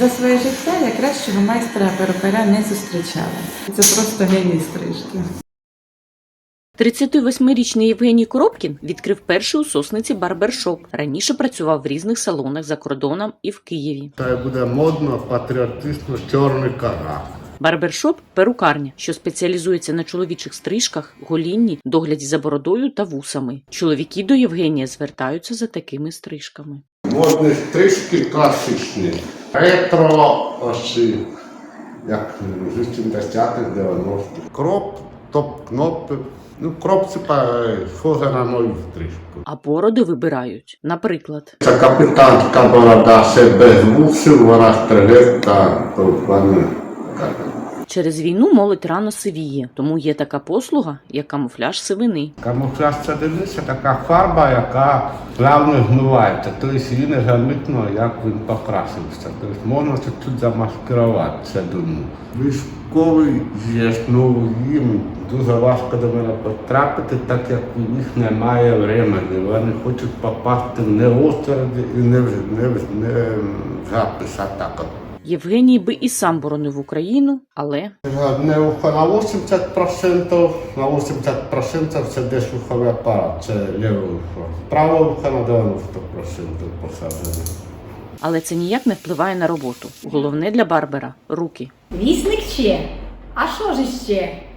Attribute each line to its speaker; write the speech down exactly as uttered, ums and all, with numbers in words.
Speaker 1: За своє життя я кращого майстра-перукаря не зустрічала. Це просто геній стрижки.
Speaker 2: тридцятивосьмирічний Євгеній Коробкін відкрив перший у Сосниці барбершоп. Раніше працював в різних салонах за кордоном і в Києві.
Speaker 3: Та буде модно, патріотично, чорний карат.
Speaker 2: Барбершоп – перукарня, що спеціалізується на чоловічих стрижках, голінні, догляді за бородою та вусами. Чоловіки до Євгенія звертаються за такими стрижками.
Speaker 3: Модні стрижки класичні. Ретро, ось, як з вісімдесятих, дев'яностих. Кроп, топ-кнопи. Ну, кроп це схоже на мою стрижку.
Speaker 2: А бороди вибирають. Наприклад,
Speaker 3: Це капітанська борода, це без вусів, вона стрижеться, то в мене.
Speaker 2: через війну молодь рано сивіє, тому є така послуга, як камуфляж сивини.
Speaker 3: Камуфляж це дивися, така фарба, яка плавно змивається. Тобто її не замітно, як він покрасився. Тобто можна це тут замаскирувати, це думаю. Військовий є, ну їм дуже важко до мене потрапити, так як у них немає времени. Вони хочуть попасти не в очереді і не в не, не, запис атака.
Speaker 2: Євгеній би і сам боронив Україну, але...
Speaker 3: Не на вісімдесят відсотків, на вісімдесят відсотків це десь вуховий апарат, це ліве вухо. Праве вухо на дев'яносто відсотків посаджено.
Speaker 2: Але це ніяк не впливає на роботу. Головне для барбера – руки.
Speaker 4: Вісник ще? А що ж іще?